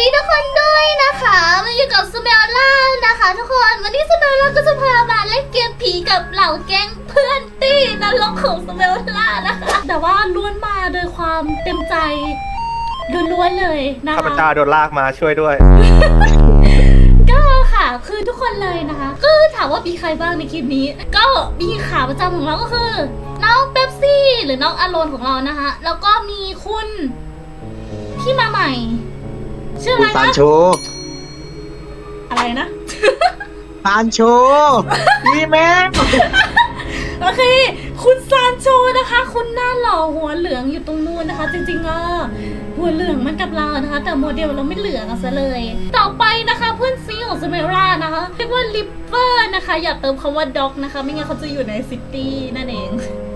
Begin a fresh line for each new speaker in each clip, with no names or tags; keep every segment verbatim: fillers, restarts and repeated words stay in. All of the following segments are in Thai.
ดีทุกคนด้วยนะคะมาอยู่กับสเมลล่านะคะทุกคนวันนี้สเมลล่าก็จะพามาเล่นเกมผีกับเหล่าแก๊งเพื่อนตี้นรกของสเมลล่านะคะแต่ว่าล้วนมาโดยความเต็มใจล้วนๆเลยนะคะ
ข้าพเจ้าโดนลากมาช่วยด้วย
ก็ค่ะคือทุกคนเลยนะคะก็ถามว่ามีใครบ้างในคลิปนี้ ก็มีขาประจำของเราก็คือน้องเป๊ปซี่หรือน้องอารอนของเรานะคะแล้วก็มีคุณที่มาใหม่ชื่ออะไร
ซาน
นะ
โช
อะไรนะ
ซานโชนี่แม่
โอเคคุณซานโชนะคะ คุณหน้าหล่อหัวเหลืองอยู่ตรงนู้นนะคะ จริงๆอ่ะหัวเหลืองมันกับเรานะคะ แต่โมเดลเราไม่เหลืองอะซะเลย ต่อไปนะคะเพื่อนซีของสเมรานะคะเรียกว่าลิปเปอร์นะคะอย่าเติมคำว่าด็อกนะคะ ไม่งั้นเขาจะอยู่ในซิตี้นั่นเอง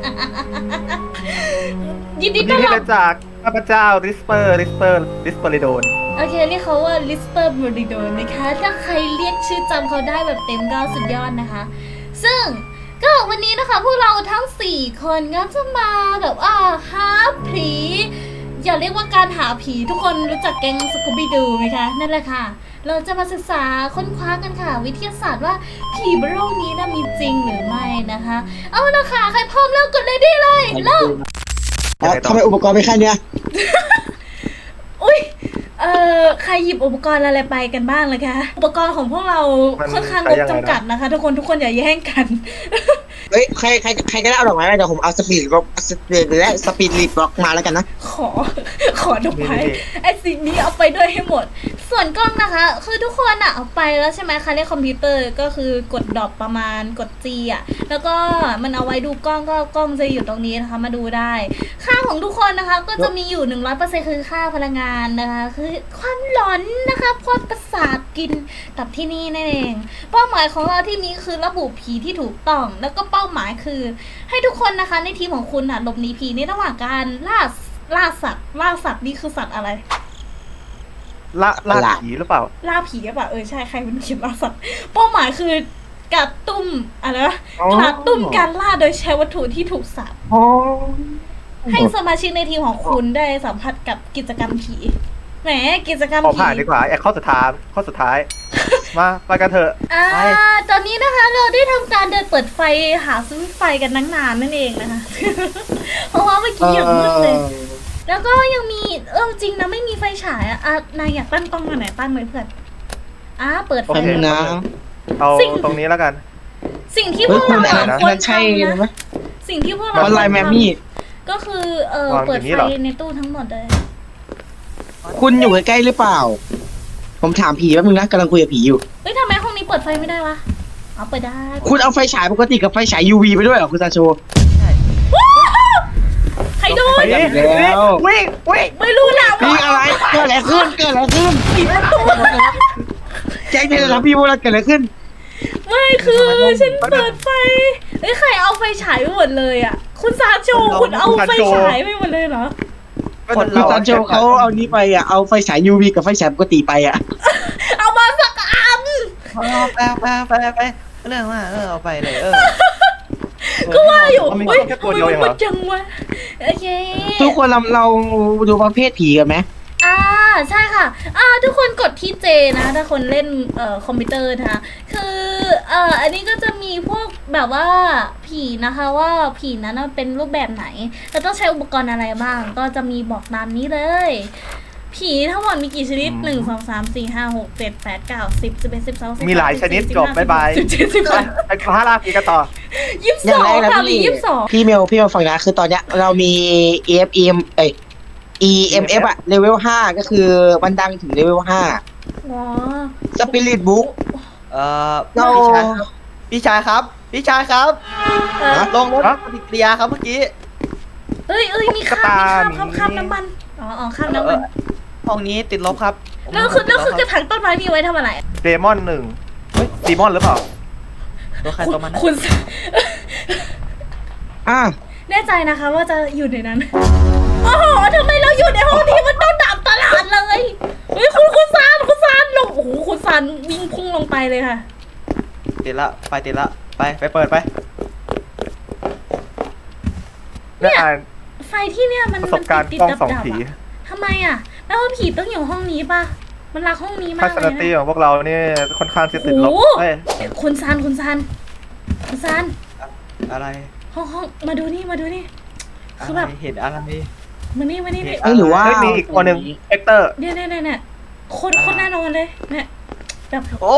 ยินดี
ยิน
ต้อน
ดี
รับ
จากข้าพเจ้าริสเปอร์ริสเปอร์ริสเปอริโดน
โอเคเรียกเขาว่าลิสเปอร์บริโดนนะคะถ้าใครเรียกชื่อจำเขาได้แบบเต็มก็สุดยอดนะคะ ซึ่งก็วันนี้นะคะพวกเราทั้งสี่คนก็จะมาแบบว่าหาผีอย่าเรียกว่าการหาผีทุกคนรู้จักแก๊งสกูบี้ดูไหมคะนั่นแหละค่ะเราจะมาศึกษาค้นคว้ากันค่ะ วิทยาศาสตร์ว่าผีบนโลกนี้นะมีจริงหรือไม่นะคะ เอาละค่ะใครพร้อมแล้วกดเลยได้เลยเริ่ม
แล้วทำไมอุปกรณ์ไม่แค่เนี้ย
อุ้ย เอ่อ ใครหยิบอุปกรณ์อะไรไปกันบ้างเลยคะ อุปกรณ์ของพวกเราค่อนข้างงบจำกัดนะคะ ทุกคนทุกคนอย่าแย่งกัน
เฮ้ยใครใครใครก็ได้เอาดอกไม้มาเดี๋ยวผมเอาสปีดบล็อกสปีดและสปีดรีบล็อกมาแล้วกันนะ
ขอ ขอดอกไม้ไอ้สิ่งนี้เอาไปด้วยให้หมด ส่วนกล้องนะคะ คือทุกคนอะเอาไปแล้วใช่ไหมคะเรียกคอมพิวเตอร์ก็คือกดดรอปประมาณกด G อะแล้วก็มันเอาไว้ดูกล้องก็กล้องจะอยู่ตรงนี้นะคะมาดูได้ ค่าของทุกคนนะคะ ก็จะมีอยู่ หนึ่งร้อยเปอร์เซ็นต์ คือค่าพลังงานนะคะ คือความหลอนนะคะความประสาทกินตับที่นี่นั่นเอง เป้าหมายของเราที่นี้คือระบุผีที่ถูกต้อง แล้วก็เป้าหมายคือให้ทุกคนนะคะในทีมของคุณน่ะหลบหนีผีในระหว่างการล่าล่าสัตว์ล่าสัตว์นี่คือสัตว์อะไร
ละล่า
ละ
ผีหรือเปล่า
ล่าผีหรือเปล่าเออใช่ใครมันเขียนล่าสัตว์เป้าหมายคือกระตุ้มอะไรนะ
อ๋อ
กระตุ้มการล่าโดยใช้วัตถุที่ถูกสับ
อ๋อ
ให้สมาชิกในทีมของคุณได้สัมผัสกับกิจกรรมผีแหมกิจกรรม
ขอ
ผี
ผ่านดีกว่าไอ้ข้อสุดท้ายข้อสุดท้าย มาไปกันเถอะ
อ่า
ไป
ตอนนี้นะคะเราได้ทำการเดินเปิดไฟหาซื้อไฟกันตั้งนานนั่นเองนะคะ เพราะว่าเมื่อกี้อย่างมืดเลย แล้วก็ยังมีเออจริงนะไม่มีไฟฉายอะอ่ะนายอยากตั้งกล้องมาไหนตั้งเลยเพื่อนอ่ะเปิดไฟ
โอเค
นะ
เอา
สิ่ง
ตรงนี้แล้วกัน
สิ่งที่พ
เฮ้
วย ก
คุณ
เรา
อัน
อะ
นั้น
ควร
มันใช่
ทำ
ไหม
นะสิ่งที่พวกเรา
ออนไลน์
ควร
แม
ทำ
มี่
ก็คือเออ
วาง
เปิด
อย่างนี้
ไฟ
เหรอ
ในตู้ทั้งหมดเลย
คุณอยู่ใกล้ๆหรือเปล่า ผมถามผีแป๊บนึงนะกำลังคุยกับผีอยู่
เฮ้ยทำไมห้องนี้เปิดไฟไม่ได้วะเอาเปิดได้
คุณเอาไฟฉายปกติกับไฟฉาย ยู วี ไปด้วยเหรอคุณซานโช
ใครโดน
ไป
อีกแล้ว
วิ่งวิ่ง
ไม่รู้นะ
พี่อะไรเกิดอะไรขึ้นเกิดอะไรขึ้น
ปิดประตู
แจ้งเลยนะพี่ว่าเกิดอะไรขึ้น
ไม่คือฉันเปิดไฟเฮ้ยใครเอาไฟฉายไปหมดเลยอ่ะคุณซาโจคุณเอาไฟฉายไปหมดเลยเหรอ
คนคุณซานโชเขาเอานี้ไปอ่ะเอาไฟฉาย ยู วี กับไฟฉายปกติไปอ่ะ
เอามาสักอัน
เอาไปไปไปไปเรื่องว่าเออเอาไปเลยเออ
ก็ว่าอยู่
มันมี
เฮ้ย
แค่
ทำ
ตัว
ไม
เดียว
มั
เอน งเห
มื
รอ
ดจังวะโอเค
ทุกคนเราเราดูประเภทผีกันไหม
อ่าใช่ค่ะอ่าทุกคนกดที่เจนะถ้าคนเล่นเอ่อคอมพิวเตอร์นะคะคือเอ่ออันนี้ก็จะมีพวกแบบว่าผีนะคะว่าผีนั้นนะเป็นรูปแบบไหนแล้วต้องใช้อุปกรณ์อะไรบ้าง ก็จะมีบอกตามนี้เลย ผีทั้งหมดมีกี่ชนิดหนึ่งสองสามสี่ห้าหกเจ็ดแปดเก้าสิบสิบเอ็ดสิบสองสิบ
มีหลายชนิดจบบ๊ายบาย
สิบเจ็ดสิบแปด
ไปพาลาผีกันต่อ
ยี่สิบ
อ
ส
ย่าง
อง
แรกนะ
ค่ะมี
พี่
ยี่สิบสอง
พี่เมลพี่เมลฟังนะคือตอนเนี้ยเรามี เอ เอฟ เอ็ม เอ้ย อี เอ็ม เอฟ อะเลเวลห้าก็คือมันดังถึงเลเวลห้า
อ๋อ
สปิริตบุ๊ก
เออ
เรา
พี่ชายครับพี่ชายครับ
เออ
ลงรถ
ฮะ
ปฏิกิริยาครับเมื่อกี้
เอ้ยเอ้ยมีข้าม
กระ
มี
ต่าย
ข้ามครับ
มี
ข้ามน้ำมันอ๋ออ๋อข้าม
เอ
น้ำ
อ
มัน
ห้องนี้ติดลบครับ
แล้วคือ
ติ
แล้ว
ด
คือก
ค
ระ
รับ
ถางต้นไม้นี่ไว้ทำอะไร
เดมอนหนึ่งเฮ้ยดีมอนหรือเปล่า
ตัวใครตัวมันนะ
คุณ
อ่ะ
แน่ใจนะคะว่าจะอยู่ในนั้นโอ้โหทำไมเราอยู่ในห้องที่มันต้องดับตลาดเลยเฮ้ยคุณคุณซานคุณซานลงโอ้โหคุณซานวิ่งพุ่งลงไปเลยค่ะ
ติดละไฟติดละไปไปเปิดไป
ได้อ่าน
ไฟที่เนี่ยมัน
ประสบการณ์
มันติด
กล้อง
ดับ
สอง
ดับ
ผี
อะทำไมอ่ะแปลว่าผีต้องอยู่ห้องนี้ป่ะมันรักห้องนี้
ทั
มาก
ศ
เล
น
ย
คติ
นะ
ของพวกเราเนี่ยค่อนข้างจะติดลบ
โอ้โห
เอ้ย
คุณซานคุณซานคุณซาน
อะไร
ห้องห้องมาดูนี่มาดูนี่
อะ
คือ
ไร
แบบ
เห็นอะไร
มานี่มานี่นี่
เอ้ยหรือว่า
เฮ้ยมีอีกตัวหนึ่งเอ็กเตอร์
เนี่ยเนี่ยเนี่ยเนี่ยโคตรโคตรแน่นอนเลยเนี่ยแบบ
โอ้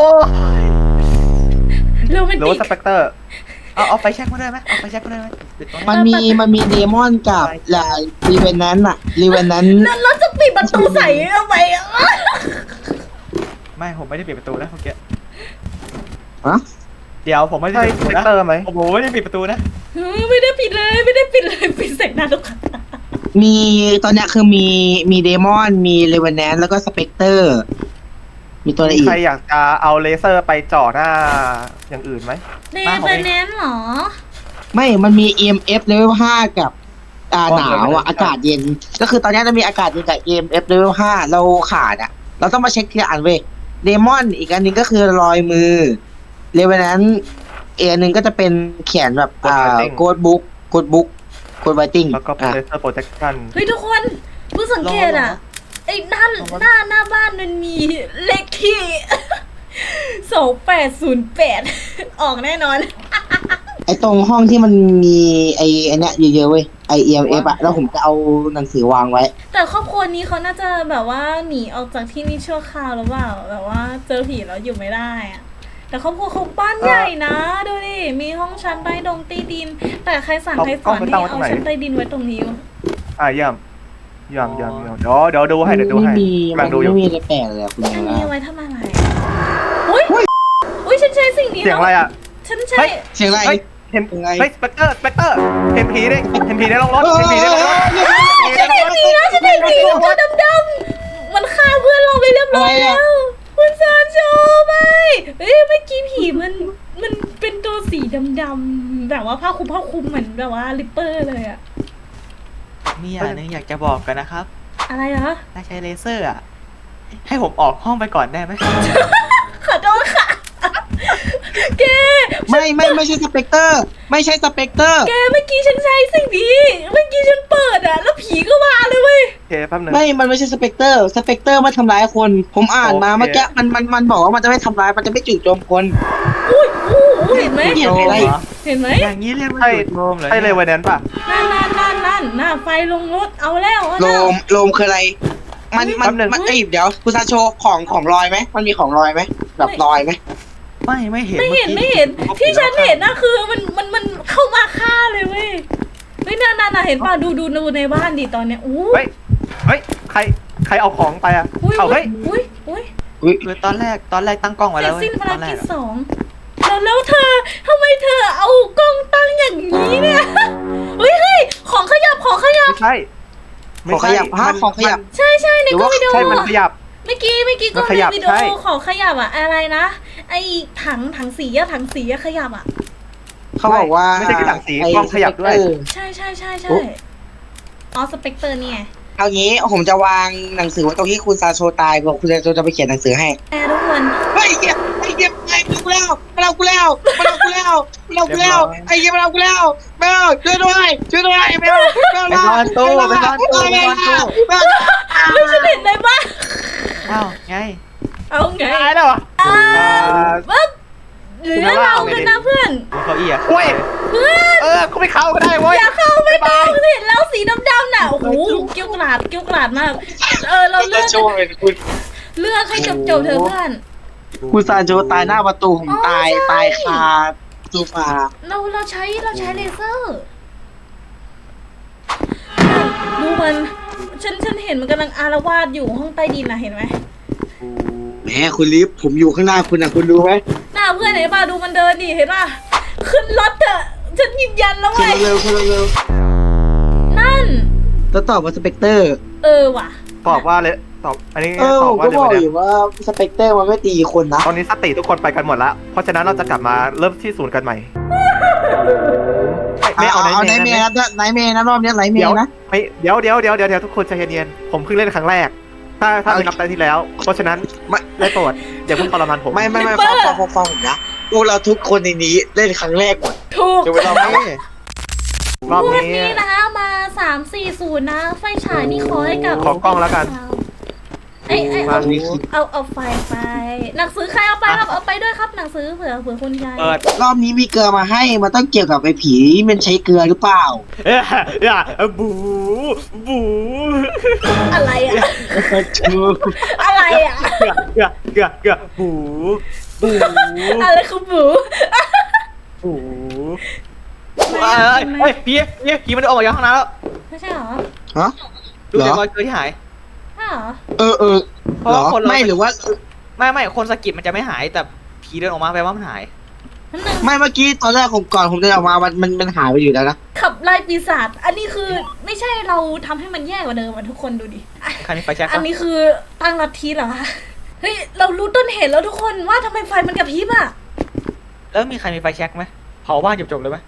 โรแมน
หรือ
ติ
ว่าก สเปกเตอร์
เอาเอาไฟแช็กมาด้วยไหมเอาไฟแช็กมาด้วยไหมปิดตรง
มัน
นี้
มีมันมีเดมอนกับลารีเวนนั้นอะรีเวนนั้น
แล้วเราจะปิดประตูใส่ทำไมอ่ะ
ไม่ผมไม่ได้ปิดประตูนะเมื่อกี้
ฮะ
เดี๋ยวผมไม่ได้
ใช่
ปิดประ
ส
ตู
เปก
นะ
เตอร์ไหม
โอ้โหไม่ได้ปิดประตูนะ
เฮ้ยไม่ได้ปิดเลยไม่ได้ปิดเลยปิดใส่หน้าทุกคน
มีตอนเนี้ยคือมีมีเดมอนมีเรเวนแนนแล้วก็สเปกเตอร์ มีตัวอะไรอีก
ใครอยากจะเอาเลเซอร์ไปจ่อหน้าอย่างอื่นไหม
เนเบอร์แนนเหรอ
ไม่มันมี อี เอ็ม เอฟ level ห้ากับอ่าหนาวอ่ะอากาศเย็น ก็คือตอนเนี้ยจะมีอากาศเย็นกับ อี เอ็ม เอฟ level ห้าเราขาดอ่ะ เราต้องมาเช็คทีละอันเว้ยเดมอนอีกอันหนึงก็คือรอยมือเรเวนแนนอีกอันหนึงก็จะเป็นเขียนแบบอ่าโกดบุ๊กโกดบุ๊กโกดไวติ้ง
แล้วก็
อ่ะ
เลเซอร์โปรเจคชั่น
เฮ้ยทุกคนเพิ่งสังเกตอ่ะไอ้หน้าหน้าหน้าบ้านมันมีเลขที่ สองแปดศูนย์แปดออกแน่นอน
ไอตรงห้องที่มันมีไอไอเนี้ยเยอะๆเว้ยไอ อี เอ็ม เอฟ อะแล้วผมจะเอาหนังสือวางไว้
แต่ครอบครัวนี้เขาน่าจะแบบว่าหนีออกจากที่นี่ชั่วคราวหรือเปล่าแบบว่าเจอผีแล้วอยู่ไม่ได้อะแต่ครอบครัวเขาบ้านใหญ่นะดูดิมีห้องชั้นใต้ดงใต้ดิน แต่ใครสั่งให้สอนให้เอาชั้นใต้ดินไว้ตรงนี้วะ
อ่ะเยี่ยมเยี่ยมเยี่ยมเยี่ยมเดี๋ยวเดี๋ยวดูให้เดี๋ยวดูให้
ไม่มี
กำลังดูอยู่
ไม่มีอะไรแปลกเลยอะคุณ
อัน
ยา
นี้
ยา
ไว้ทำอะไรอุ้ยอุ้ยฉันใช้สิ่งนี้
เสียงอะไรอ่ะ
ฉันใช้
เฮ้ย
เสียงอะไร
เฮ้ยเห็น
ยังไง
เฮ้ยสเปกเตอร์สเปกเตอร์เห็นผีดิเห็นผีในโรงรถเห็นผีในโรงรถ
ฉันเห็นผีแล้วฉันเห็นผีตัวดำๆมันฆ่าเพื่อนเราไปเรียบร้อยแล้วคุณซานโชว์ไปเฮ้ยเมื่อกี้ผีมันมันเป็นตัวสีดำๆแบบว่าผ้าคลุมผ้าคลุมเหมือนแบบว่าลิปเปอร์เลยอะ
มีอย่างหนึงอยากจะบอกกันนะครับ
อะไรเหรอ
ถ้าใช้เลเซอร์อ่ะให้ผมออกห้องไปก่อนได้ไหม
ขอโทษค่ะแก
ไม่ไม่ไม่ใช่สเปกเตอร์ ไม่ใช่สเปกเตอร์
แกเมื่อกี้ฉันใช้สิ่งนี้เมื่อกี้ฉันเปิดอะแล้วผีก็มาเลยเว้ย
โอเคแป๊บหนึง
ไม่ มันไม่ใช่สเปกเตอร์ สเปกเตอร์มาทำร้ายคน ผมอ่านมา
โอเค
เมื่อกี้มันมันมันบอกว่ามันจะไม่ทำร้าย มันจะไม่จู่โจมคน
อุ้ยอู้หูเห็นไหม
เห็นไหม
เห็นไหม
อย่างนี้เรียกว่า
ใช่
จุดโจมเหรอ
ใช่เลยวันนั้นป่ะ
นั่นนั่นนั่นนั่นหน้าไฟลงรถเอาแล้วเอา
โล
แล้ว
มโลมคืออะไร มันมัน
แป๊บหนึ่ง
มันเอ้ยเดี๋ยวคุณซาโชของของลอยไหม มันมีของลอยไหมแบบลอยไหม
ไม่ไม่เห็น
ไม่เห็น
อ
ไม่
กี้
เห็น
ผม
ที่ฉัน
แล้ว
เห็นนะคือมันมันมันเข้ามาฆ่าเลยเว้ยเฮ้ยนั่นนั่นน่ะเห็นป่ะดูดูดูในบ้านดิตอนเนี้ยอู้
เฮ้ยเฮ้ยใครใครเอาของไปอ่ะ
อุ้ย
เอาเฮ้ย
อุ้ยอุ้ย
อุ้ย
คือตอนแรกตอนแรกตั้งกล้องไว้
เสร็
แล้
จ
วเว้ย
สิ้นภา
ต
ร
อนแร
กิ
ก
จ
อะ
สองแล้วแล้วเธอทำไมเธอเอากล้องตั้งอย่างนี้เนี่ยเฮ้ยเฮ้ยของขยับของขยับ
ไม่ใช่
ของขยับฮะ
มัน
ของขยับ
ใช่ใช่ในกล้องวิดีโอ
ใช่มันขยับ
เมื่อกี้เมื่อกี้กล้อง
มันขยับ
ในวิดีโอ
ใช่
ของขยับอะอะไรนะไอถังถังสีอะถังสีอะขยับอะ
เขาบอกว่า
ไม่ใช่แค่หนังสี
ไอ้
กล้องขยับด้วย
สเปกเตอร์
ใช่ใช่ใช่ใช่
โอ้
อ๋อสเปกเตอร์เนี่ย
เอางี้ผมจะวางหนังสือไว้ตรงที่คุณซาโชตายบอกคุณซาโชจะไปเขียนหนังสือให้
แอร์ทุกคน
เฮ้ยเหี้ยไอ้เหี้ยไอ้กูแล้วมาเอากูแล้วมาเอากูแล้วมาเอากูแล้วไอ้เหี้ยมาเอากูแล้วไม่เอาช่วยด้วยช่วยด้วยไม่เอาไม่เอา
ไปนอนตู้ไปนอนตู้ไปนอนตู้
ไม่เอา
ไม่ฉันเห็นในบ้าน
อ้าวไง
เอาไง
ตายแล้วเหรอ
อ่า
อ่า
ปั๊บหรือเรากันนะเพื่อน
บนเก้าอี้อะ
โอ้ย
เพื่อน
เออเขาไม่เข้าก็ได้เว้ย
อย่าเข้าไม่ต้องเห็นแล้วสีดำๆน่ะโอ้โหเกี้ยวกราดเกี้ยวกราดมากเออเรา
คุณ
เลื
ซา
อก
โชเป็นคุณ
เลือกให้จบจบๆเถอะเพื่อน
คุณซาโชตายหน้าประตูผมตาย
อ๋อใช่
ตายคาโซฟา
เราเราใช้เราใช้เลเซอร์ดูมันฉันฉันเห็นมันกำลังอารวาสอยู่ห้องใต้ดินนะเห็นไหม
แหมคุณลิฟผมอยู่ข้างหน้าคุณนะคุณรู้ไหม
หน้าเพื่อนเห็นป่ะดูมันเดินดิเห็นป่ะขึ้นรถเถอะฉันยืนยันแล้ว
คุณ
เว้ย
เร็วคุณเร็ว
นั่น
แล้วตอบว่าสเปกเตอร์
เออว่ะ
ตอบว่าเลยตอบอันนี้
เออ
ต
ผ
อบ
ม
ว่า
ก็
เลย
บอก
วัน
อ
นี้
ยู่ว่าสเปกเตอร์มันไม่ตีคนนะ
ตอนนี้สติทุกคนไปกันหมดแล้วเพราะฉะนั้นเราจะกลับมาเริ่มที่ศูนย์กันใหม่ไม่
เอา
เอา
เอา
ไหน
ไน
เม
เม
ย์
ย์นะไนเมย์นะรอบนี้ไนเม
เดี๋ยว
ย์นะ
ไม่เดี๋ยวเดี๋ยวเดี๋ยวเดี๋ยวเดี๋ยวทุกคนใจเย็นๆผมเพิ่งเล่นครั้งแรก ถ้าถ้า
เอา
ไม่นับแต่ที่แล้ว เพราะฉะนั้น
ไม่
ได้โปรดอย่าเพิ่งทรมานผม
ไม่ไม่ไม่ฟังฟังฟังฟังผมนะพวกเราทุกคนในนี้เล่นครั้งแรกหมด
ถูก
จะไปลองไหม
รอบ
วัน
นี้
นี้นะคะมาสามสี่ศูนย์นะ ไฟฉายนี่ขอให้กับ
ขอกล้องแล้วกัน
อไอ้ไอ้
มา
เอาเอาเอาไฟไปหนังสือใครเอาไปครับเอาไปด้วยครับหนังสือเผื่อเผื่อคุณยาย
เปิด
รอบนี้มีเกลือมาให้มันต้องเกี่ยวกับไอ้ผีมันใช้เกลือหรือเปล่า
เอ้ยอย่าบูบู
อะไรอะ
ชู
อะไรอะ
เกือเกือเกือเกือบูบู
อะไรคือบู
บูเอ้ยเฮ้ยพี่พี่พี่มันออกมาจากห้องน้ำแล้ว
ไม่ใช่เหรอ
ฮะ
ดูจากรอยเกลือที่หาย
ใช่เหรอ
เออเออ
เพราะ
เหร
ว่า
อ
คนเรา
ไม่หรือว่า
ไม่ไม่คนสะกิดมันจะไม่หายแต่ผีเดินออกมาแปลว่ามันหาย
นั่นนึง
ไม่เมื่อกี้ตอนแรกผมก่อนผมเดินออกมามันมันมันหายไปอยู่แล้วนะ
ขับไล่ปีศาจอันนี้คือไม่ใช่เราทำให้มันแย่กว่าเดิมอ่ะทุกคนดูดิอ่ะ
ใครมีไฟแช็ก
อัน
ปะ
นี้คือตั้งลัทธิเหรอคะเฮ้ยเรารู้ต้นเหตุแล้วทุกคนว่าทำไมไฟมันกระพริบอ่ะ
แล้วมีใครมีไฟแช็กไหมเผาบ้านจบๆเลยไหม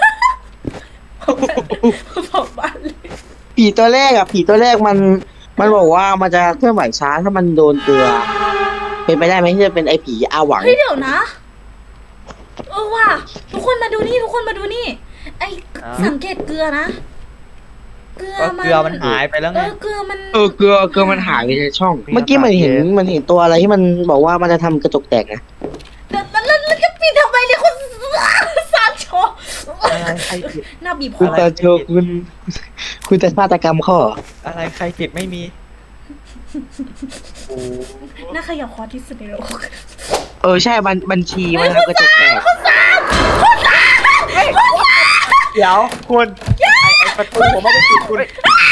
เผาบ้านเลย
ผีตัวแรกอะผีตัวแรกมัน มันบอกว่ามันจะเคลื่อนไหวช้าถ้ามันโดนเกลือ เป็นไปได้ไหมที่จะเป็นไอ้ผีอาหวัง
เฮ้ยเดี๋ยวนะเออว่ะทุกคนมาดูนี่ทุกคนมาดูนี่ ไอสังเกตเกลือนะเกลือ
ก็
มัน
เกลือมันหายไปแล้ว
เอ
ไง
อเกลือมัน
เออเกลือเกลือมันหายไปในช่อง เมื่อกี้มันเห็นมันเห็นตัวอะไรที่มันบอกว่ามันจะทำกระจกแตกนะ
แล้วแล้วแล้วแล้วจะปิดทำไมเนี่ยคุณสารโชว์
อะไรใครผิด
หน้าบีบค
คุณ
อ
ตาโชว์คุณ คุณจะฆาตกรรมข้อ
อะไรใครผิดไม่มีโอ้
หน้าขยับคอที่สุดในโลก
เออใช่บัญบัญชีมันทำกระจกแตก
เดี๋ยวคุณไอไอประตูผมไม่ได้ปิดคุณ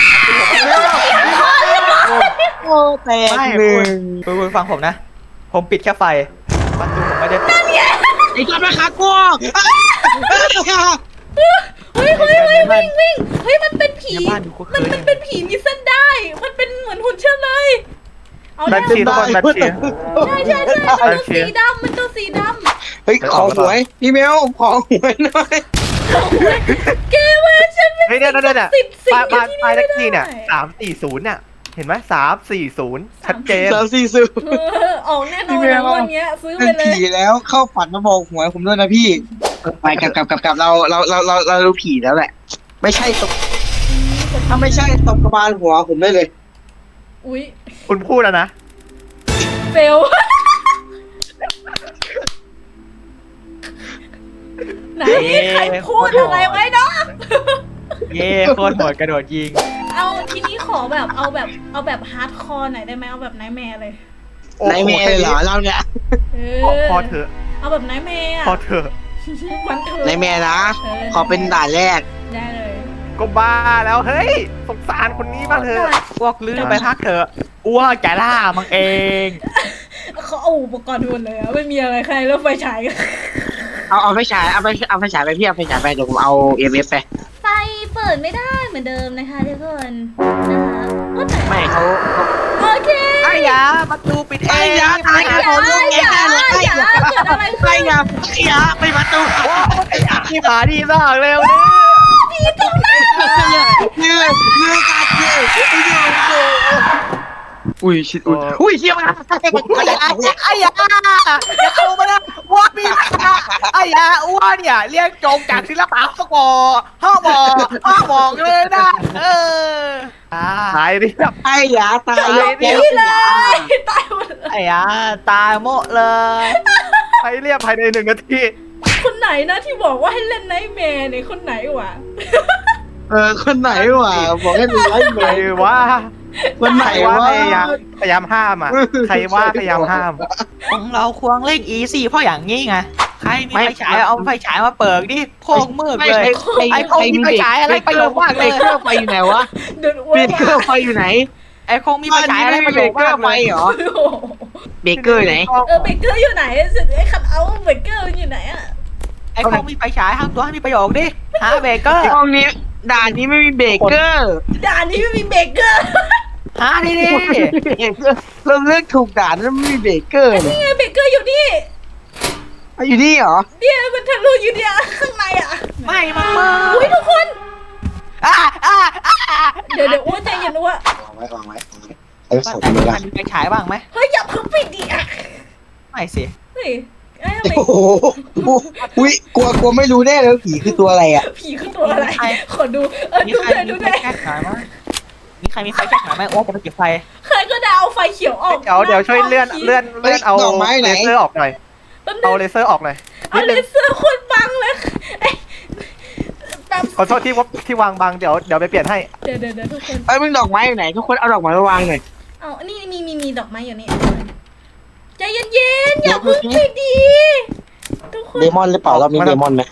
โอ้แตก
ไม่
หนึ่
คุณ
ง
คุณคุณฟังผมนะ ผมปิดแค่ไฟประตูผมไม่ได้ปิด
ไอ้ตัวแม่ค้ากลัว
เฮ้ยเฮ้ยเฮ้ยวิ่งวิ่งเฮ้ยมันเป็นผี
ในบ้านดูคุก
มัน
คืน
มันเป็นผีมีเส้นได้ มันเป็นเหมือนหุ่นเชื่อเลย เอา
แบ
แล้
ท
ว
ชีทุกคนแบทชี
ใช่ใช่ใช่มันตัวสีดำมันตัวสีด
เฮ้ยขอหวยพี่เมลขอหวยหน่อย
ำเกเว่าฉันเป็น
เฮ้ยเนี่ยเนี่ยเนี่ย
สิบสิบ
บ้านบ้าน
ที่
บ้านเลข
ไม่
ที่เนี่ย
ได้
สามสี่ศูนย์เนี่ยเห็นไหมสามสี่ศูนย์ชัดเจน
สามสี่สิบ
เออออกแน่นอน
พี่แม
นะ
ว
วันเนี้ยซื้อไป
เป็น
เลย
ผีแล้วเข้าฝันมาบอกหวยผมด้วยนะพี่ไปกลับกลับกลับกลับเราเราเราเราเรารู้ผีแล้วแหละ ไม่ใช่ตกถ้าไม่ใช่ตกกระบาลหัวผมได้เลย
อุ้ย
คุณพูดแล้วนะ
เฟล ไหนใครพูดอะไรไว้เนาะ
เย่โคตรโหดกระโดดยิง
เอาทีนี้ขอแบบเอาแบบเอาแบบฮาร์ดคอร์หน่อยได้ไหมเอาแบบไนท์แมร์เลย
โอ้โห
นายเมย์เลยเหรอเราเนี่ย
เอ
พอ
อ
พอเถอะ
เอาแบบไนท์แมร์อะ
พอเถอะ
วันเถอะ
นายเมย์นะ
เออ
ขอเป็นด่านแรก
ได้เลย
ก็บ้าแล้วเฮ้ยสงสารคนนี้บ้างเถอะ
พวกลื้อไปพักเถอะอ้วกแกล่ามังเอง
เขาเอาอุปกรณ์หมดเลยอะไม่มีอะไรใครแล้วไฟฉายกัน
เอาเอาไฟฉายเอาไฟเอาไฟฉายไปพี่เอาไฟฉายไปเดี๋ยวผมเอาเอ็มเอฟไป
ไฟเปิดไม่ได้เหมือนเดิมนะคะทุกคนนะคะว่าแต่
ไม่เขาเขา
โอเค
ไอ้ยาประตูปิดเอง
ไอ้ยาตาย
อย่าอย่าอย่าเกิดอะไร
ไอ้
ขึ้น
ยาไอ้ยาไปประตู
ไอ้ยาที่หมาดีมากเร็วนี่
เนื้อเนื้อกัดเนื้ออุ้ยชิดอุ้ยอุ้ยเชี่ยมัน
ไอ้ยาไอ้ยาอย่าเข้ามานะว่ามีไอ้ยาอ้วนเนี่ยเรียกโจงจากศิลปะสกอห้าบอกห้าบอกเลยนะเอออ่า
หายเรียบ
ไอ้ยาตาย
นี่เลยตายหมดเลย
ไอ้ยาตายโมะเลย
หายเรียบภายในหนึ่งนาที
คนไหนนะที่บอกว่าให้เล่นไนท์แมร์เนี่ยคนไหนวะ
เออคนไหนวะบอกให้ดูไล่เม
ใคร
ย์
ว่า
คนไหน
ใครว่าว
ะ
พยายามพยายามห้ามอ่ะใครว่าพยายามห้าม
ของเราควงเล่นอีซี่เพราะอย่างนี้ไงใครมีไฟฉายเอาไฟฉายมาเปิดดิโคงมืดเลย ไอ้พวกนี้ไปฉายอะไรประโยชน์มากเลย
เบเกอร์ไฟอยู่ไหนวะ
เดินอ้ว
เบ
น
เกอร์ไฟอยู่ไหน
ไอ้คงมีไฟฉายอะไรประโยชน์มาก
ไฟ
เลย
เหรอ
โอ้โห
เบเกอร์ไหน
เออเบเกอร์อยู่ไหนไอ้คันเอาเบเกอร์อยู่ไหนอะ
ไอ้คงมีไฟฉายทำตัวให้มีประโยชน์ดิหาเบเกอร์
ห้องนี้ด่านนี้ไม่มีเบเกอร์
ด่านนี้ไม่มีเบเกอร์
หาดิดิ
เราเลือกถูกด่านแล้วไม่มีเบเกอร์เนี่ย
นี่ไงเบเกอร์อยู่นี่
อ่ะอยู่นี่เหรอ
เนี่ยมันทะลุอยู่เนี่ยข้างในอะ
ไม่มามา
อุ้ยทุกคน
อ่าอ่าอ่า
เดี๋ยวเดี๋ยวอ้วนใจเย็นอ้วน
วางไว้วางไว้วางไว้เออ
บ้า
ส
น
องไม่ได้
มีไฟฉายบ้างไหม
เฮ้ยอย่าเพิ่งปิดดิอะ
ไม่สิ
เฮ้ยไอ้ทำไม
โอ้โหอุ้ยกลัวกลัวไม่รู้แน่เลยผีคือตัวอะไรอ่ะ
ผีคือตัวอะไรขอดูเออ
มี
ดู
ใคร
เลย
มี
ดู
ไฟ
เลย
แช็กฉายมั้ยมีใครมีไฟแช็กหน่อยไหมอ้วจะไปเก็บไฟ
ใครก็ได้เอาไฟเขียวออก
เดี๋ยวเดี๋ยวช่วยเลื่อนเลื่อนเลื่อนเอาเลเซอร์ออกหน่อย
แป๊บนึ
เอา
ง
เลเซอร์ออกหน่อย
เอาเลเซอร์คนบังเลยเอ้ยแบบ
ขอโทษที่ว่าที่วางบางเดี๋ยวเดี๋ยวไปเปลี่ยนให้
เดี๋ยวเดี๋ยวเดี๋ยวทุกคน
ไอ้ยมึงดอกไม้อยู่ไหนทุกคนเอาดอกไม้มาวางหน่อย
เอานี่มีมีมีดอกไม้อยู่นี่ใจเย็นๆอย่าเพึ่งไปดีทุกคน
เดมอนหรือเปล่าเรามีเดมอนไหม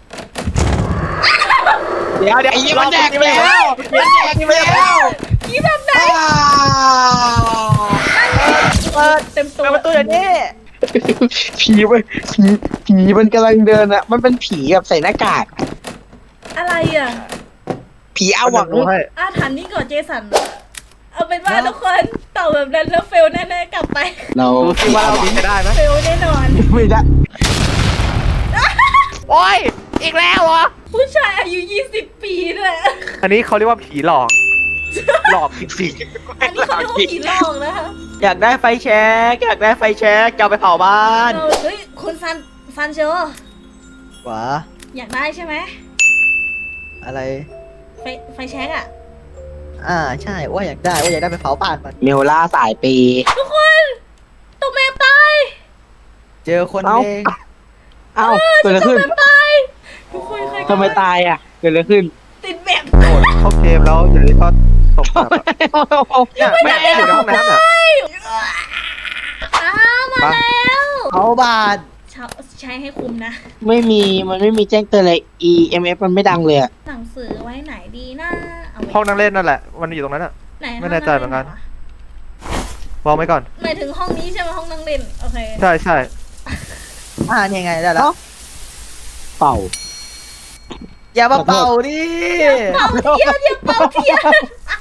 เดี๋ยวเดี๋ยว
ไอ้ยี่มันแดก
ไป
ไปแล้ว
มันแดกไปแล้ว
ผีแบบไหน
อ้าว
เปิด
เต็มตัว
เปิดประตูอย่างนี้
ผีมันผีผีมันกำลังเดินอะมันเป็นผีแบบใส่หน้ากาก
อะไรอ่ะ
ผีอาหวัง
ดูให้
อาถรรพ์นี่ก่อนเจสันเอาเป็นว่าทุกคนตอบแบบนั้นแล้วเฟลแน่ๆกลับไป
เรา
ดูสิว่าเราหนีจะได้ไหม
เฟลแน่นอน
ไม่ได้
โอ้ยอีกแล้วเหรอ
ผู้ชายอายุยี่สิบปีด้วย
อันนี้เขาเรียกว่าผีหลอก หลอกจริง
อันนี้เขาเรียกว่าผีหลอกนะคะ
อยากได้ไฟแช็กอยากได้ไฟแช็กจะเอาไปเผาบ้าน
เราเฮ้ยคุณซันซันโช
หวะ
อยากได้ใช่ไหม
อะไร
ไฟไฟแช็กอะ
อ่าใช่ว่าอยากได้ว่าอยากได้ไปเผาบ้านมัน
เมลล่าสายปี
ทุกคนตกแมปตาย
เจอคน
เอ้า
เอง
เอ้าเกิดอะไรขึ้น
ตกแมปตายทุกคนใครก็
ทำไมตายอ่ะเกิดอะไรขึ้น
ติดแมป
ๆโหดเข้าเกมแล้วอยู่ดีก็ตกแบบเนี่ยแม่อยู่ในห้องน้ำอ่ะ
อ้าวมาแล้ว
เผาบ้าน
ใช้ใช้ให้คุ้มนะ
ไม่มีมันไม่มีแจ้งเตือนเลย E M F มันไม่ดังเลยอะ
หนังสือไว้ไหนดีนะเอาไว้
ห้องนั่งเล่นนั่นแหละมันอยู่ตรงนั้นอ่ะ
ไหน
ไม่แน่ใจเหมือนกัน
วะ
วางไว้ก่อน
หมายถึงห้องนี้ใช่ไหมห้องนั่งเล่นโอเค
ใช่ใช่
อ่านี่ไงได้แล้ว
เป่า
อย่ามาเป่าดิ
เป่าเทียนอย่าเป่าเทียน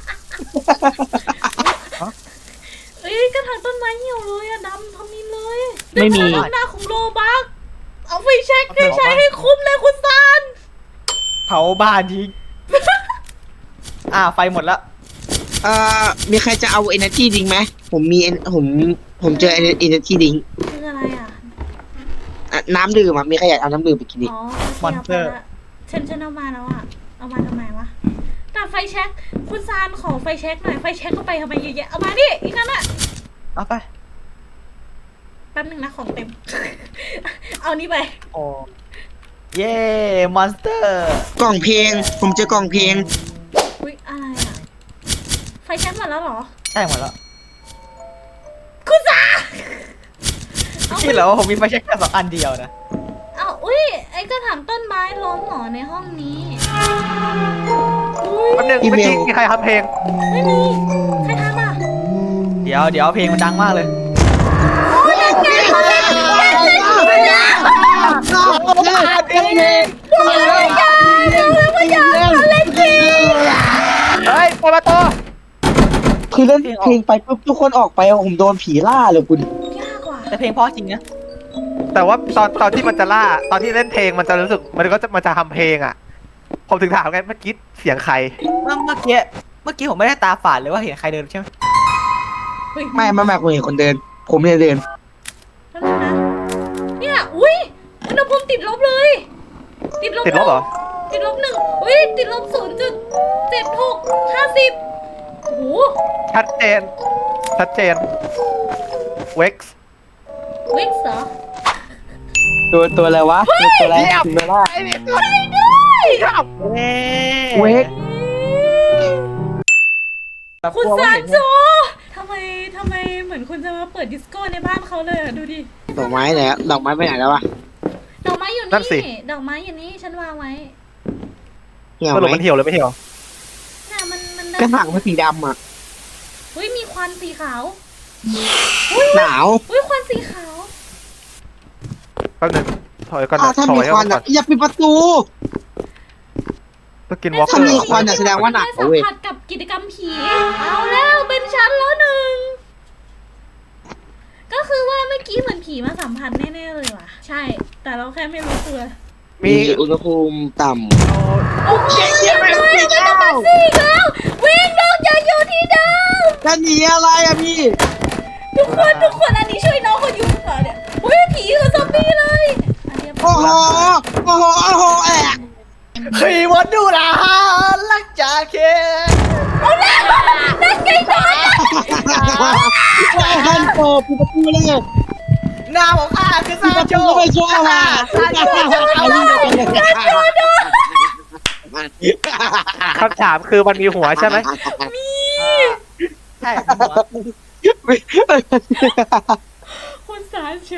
เอ้ยกระถางต้นไม้เหี่ยวเลยอะดำทำนี้เลย
ไม่มี
เป็นความหน้าของโลบักเอาไฟแช็กให้ใช้ให้คุ้มเลยคุณซาน
เผาบ้านทิ้งอ่าไฟหมดแล้ว
เอ่อมีใครจะเอา Energy ดิงไหมผมมี en- ผมผมเจอ Energy ดิง
คืออะไรอ่ะ
น้ำดื่มอะมีใครอยากเอาน้ำดื่มไปกินดิ
อ๋อโอเคเอาไปละฉันฉันเอามาแล้วอ่ะเอามาทำไมวะแต่ไฟแช็กคุณซานขอไฟแช็กหน่อยไฟแช็กเข้าไปทำไมเยอะแยะเอามาดิอีกนั่นอะ
เอาไป
แป๊บนึงนะของเต็ม เอานี่ไป
โอ้เย่มอนสเตอร์
กล่องเพลง ผมเจอกล่องเพลง
อุ้ยอะไรอ่ะไฟแช็กหมดแล้วเหรอ
ใช่หมดแล้ว
คุณซานเอา
คิดเหรอว่าผมมีไฟแช็กแค่สองอันเดียวนะ
เอาอุ้ยไอ้กระถางต้นไม้ล้มเหรอในห้องนี้อุ้ย
แป๊บนึง
อี
เมื่อ
เมล
กี้มีใครทำเพลง
ไม่มีใครทำอ่ะ
เดี๋ยวเดี๋ยวเพลงมันดังมากเลย
เฮ้ยเปิดประตู
คือเล่นเพลงไปปุ๊บทุกคนออกไปผมโดนผีล่าเลยคุณ
ยากกว่า
แต่เพลงเพราะจริงนะ
แต่ว่าตอนตอนที่มันจะล่า ตอนที่เล่นเพลงมันจะรู้สึกมันก็จะมันจะทำเพลงอ่ะ ผมถึงถามไงเมื่อกี้เสียงใคร
เมื่อเมื่อกี้เมื่อกี้ผมไม่ได้ตาฝาดเลยว่าเห็นใครเดินใช่ไหม
เฮ้ย
ไม่ไม่ไม่ผมเห็นคนเดิน ผมไม่ได้เดิน
แป๊บนึงนะเนี่ยอุ้ยอุณหภูมิติดลบเลย ติดลบ
ติดลบเหรอ
ติดลบหนึ่งอุ้ยติดลบศูนย์จุดเจ็ดหกห้าสิบโอ้โห
ชัดเจน ชัดเจน เว็กซ์
วิกซ์เหรอ
ตัวตัวอะไรวะตัวตัวอะไรตัวล่า
ใช่ด้วย
เวก
แบบ
คุณ
กลัวว่า
ซาน
เห็น
โจทำไมทำไมเหมือนคุณจะมาเปิดดิสโก้ในบ้านเขาเลยอะดูดิ
ดอกไม้ไหนอะดอกไม้ไปไหนแล้ววะ
ดอกไม้อยู่
นั่นสิ
นี่ ดอกไม้อยู่นี่ฉันวางไว้
เหี่ยว
สรุป
ไหม
มันเหี่ยวหรือไม่เหี่ยว
น่ะมันมัน
กระถางมันสีดำอะ
อุ้ยมีควันสีขาว
หนาว
อุ้ยควันสีขาว
แป๊บนึงถอยก่อน
อ้าว
นะ
ถ้า
ถ
มี
อย
ควัน
ก่อ
อะ
น
อย่าปิดประตู
ต้องกินวอล์กเก
ถ้า
อ
มี
ร์
ควันอะแสดงว่าหนาว
สัม
เว้ย
ผัสกับกิจกรรมผี เอาแล้วเป็นชั้นแล้วหนึ่ง ก็คือว่าเมื่อกี้เหมือนผีมาสัมผัสแน่ๆเลยว่ะ ใช่ แต่เราแค่ไม่รู้ตัว
มี
มีอุณหภูมิต่
โอ้ยเรียบร้อยไม่ต้องมาสิอีกแล้ววิ่งลงอย่าอยู่ที่เดิม
ำจะหนีอะไรอะพี่
ทุกคนทุกคนอันนี้ช่วยน้องเขาอยู่ก่อนเนี่ยอุ้ยผีคือซอมบี้เลยอันเรียบร้
โอ้
อย
โห โอ้โห โอ้โหแอก
ขี่มดดูละลักจากเค
โอ้แล้วนั่นไงโดน
ฮันโตปิดประตูเลย
หน้าของข้าคือ
ปิด
ซา
ประ
โช
ตูไม่ชอบอ่ะ
ซาโช
เอาลิ้นไปเลย
คำถามคือมันมีหัวใช่ไหม
ใช่
คุณสาโช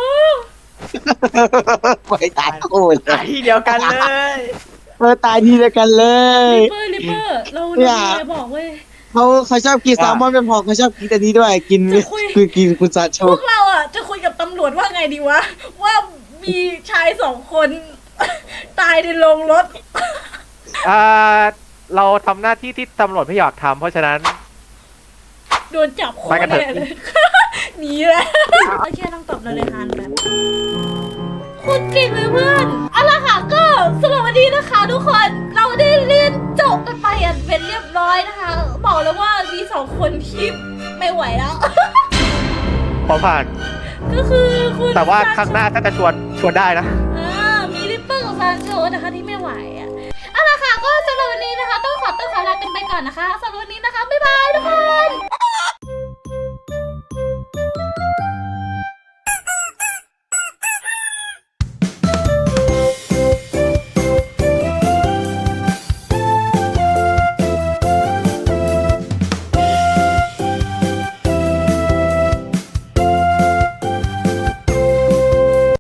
ไปตายโอ้ย
ไอที่เดียวกันเลย
เออตายทีเดียวกันเลย
ลิปเปอร์ลิปเปอร์เราเรามีอะไรบอกเว้ย
เขาเขาชอบกินแซลมอนเป็นพอเขาชอบกินอันนี้ด้วยกิน
จะคุย
คือกินคุณซาโช
พวกเราอ่ะจะคุยกับตำรวจว่าไงดีวะ ว่ามีชายสองคน ตายในโรงรถ
อ่าเราทำหน้าที่ที่ตำรวจไม่อยากทำเพราะฉะนั้น
โดนจับโค
ไป
ต
กั
ร
นเถอะ
แน่เลย หนีแล้วโอเคต้องตอบเราเลยฮานแบบคุณเก่งเลยเพื่อนเอาล่ะค่ะก็สำหรับวันนี้นะคะทุกคนเราได้เรียนจบกันไปอย่างเป็นเรียบร้อยนะคะ บอกแล้วว่ามีสองคนที่ไม่ไหวแล้ว
ขอผ่าน
ก็คือคุณ
แต่ว่าครั้งหน้าถ้าจะชวนชวนได้นะ
อ่ามีริปเปอร์กับซานโชนะคะที่ไม่ไหวอ่ะเอาล่ะค่ะก็สำหรับวันนี้นะคะ ต้องขอตัวขอลากันไปก่อนนะคะสำหรับวันนี้นะคะบ๊ายบายทุกคน